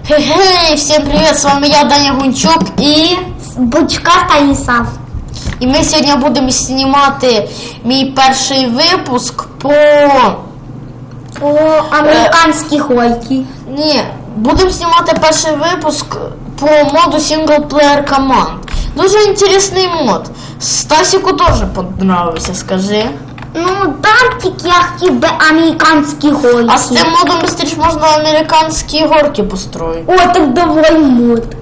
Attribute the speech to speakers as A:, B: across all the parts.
A: Хе-хей, всем привет, с вами я, Даня Гунчук і
B: Бучка Станіслав.
A: І ми сьогодні будемо знімати мій перший випуск по
B: американській гойки.
A: Ні, будемо знімати перший випуск по моду синглплеєр команд. Дуже інтересний мод. Стасіку теж понравився, скажи.
B: Ну, там тільки я хотів би американські гойки.
A: А з цим модом быстріше можна американські горки построїти.
B: О, так давай мод.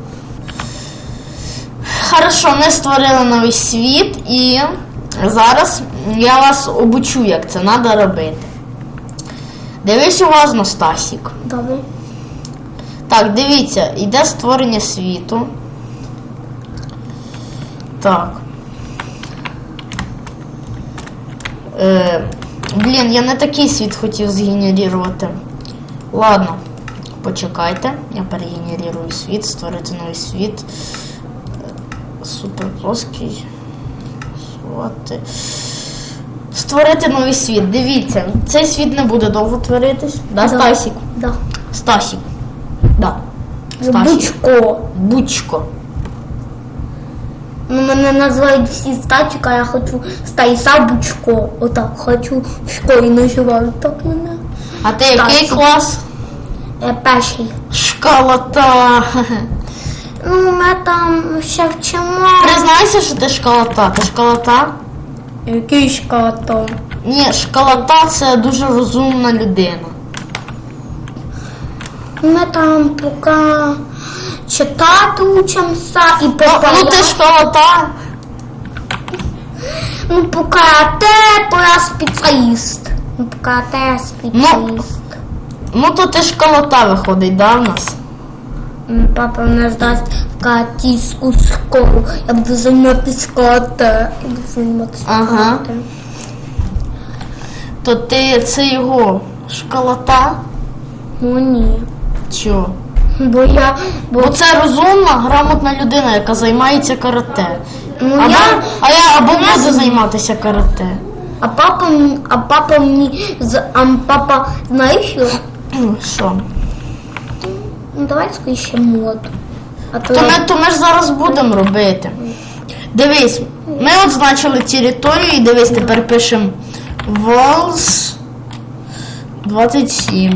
A: Хорошо, ми створили новий світ і зараз я вас обучу, як це треба робити. Дивись уважно, Стасік.
B: Добре.
A: Так, дивіться, йде створення світу. Так. Блін, я не такий світ хотів згенерувати. Ладно, почекайте. Я перегенерую світ, створити новий світ. Супер плоский. Створити новий світ. Дивіться, цей світ не буде довго творитись. Да, Стасік?
B: Да.
A: Стасік. Да.
B: Бучко.
A: Бучко.
B: Ну, мене називають всі Стасік, а я хочу Станіслав Бучко. Отак, хочу в школі називають так мене.
A: А ти який клас?
B: Перший.
A: Школота.
B: Ну, ми там ще вчимо.
A: Признайся, що ти школота. Ти школота?
B: Який школота?
A: Ні, школота це дуже розумна людина.
B: Ми там поки читати учимося і
A: Ну ти школота.
B: Ну, поки то я спеціаліст. Ну, поки я спеціаліст.
A: Ну то ти школота виходить, да, в нас?
B: Папа мене здасть в катійську школу. Я буду займатися карате.
A: Ага. То ти це його школота?
B: Ну ні.
A: Чого?
B: Бо
A: це розумна, грамотна людина, яка займається карате.
B: Ну,
A: Або буде займатися карате.
B: А папа мені папа знаєш що?
A: Що?
B: Ну давай скоріше мод.
A: То ми ж зараз будемо робити. Дивись, ми означили територію і дивись, тепер пишемо Walls 27.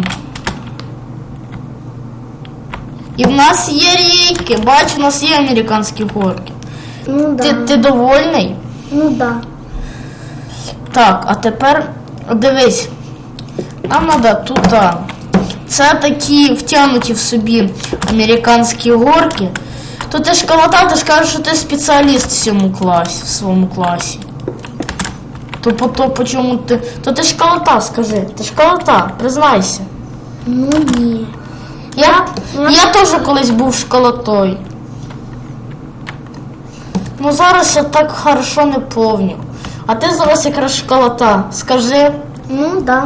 A: І в нас є рейки, бач, у нас є американські горки.
B: Ну да.
A: Ти довольний?
B: Ну да.
A: Так, а тепер дивись, нам треба тут. Це такі втягнуті в собі американські горки. То ти школота, ти ж кажеш, що ти спеціаліст в своєму класі. То почому ти... То ти школота, скажи. Ти школота, признайся.
B: Ну ні.
A: Я теж колись був школотою. Ну зараз я так хорошо не помню. А ти зараз якраз школота, скажи.
B: Ну да.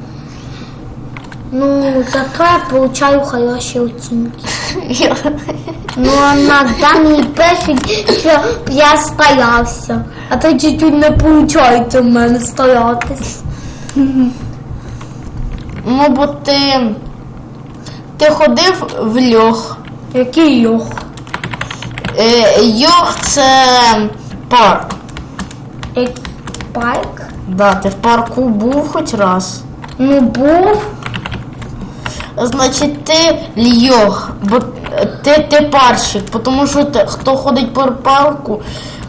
B: Ну, зато я получаю хороші оцінки. Ну, а на Дані пишуть, що я старався. А то чуть-чуть не виходить у мене старатись.
A: Ну, бо ти ходив в льох.
B: Який льох?
A: Льох це парк.
B: Парк?
A: Да, ти в парку був хоч раз.
B: Ну, був.
A: Значить, ти льох, бо ти парщик, тому що хто ходить по парку,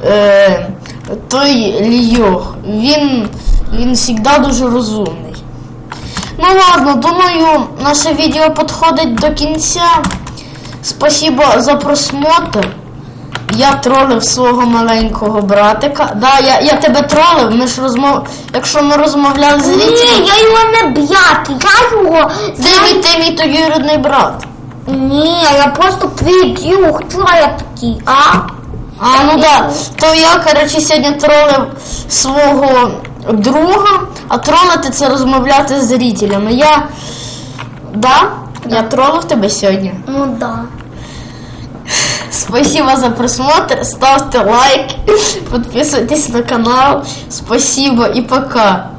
A: той льох. Він завжди дуже розумний. Ну ладно, думаю, наше відео підходить до кінця. Спасибо за просмотр. Я тролив свого маленького братика. Да, я тебе тролив, якщо ми розмовляли з зрителями.
B: Ні, я його не б'яти, я його...
A: Ти мій двоюрідний брат.
B: Ні, я просто придію, хто я такий,
A: Ну да, то я, коротше, сьогодні тролив свого друга, а тролити це розмовляти з зрителями. Я тролив тебе сьогодні.
B: Ну да.
A: Спасибо за просмотр, ставьте лайк, подписывайтесь на канал. Спасибо и пока.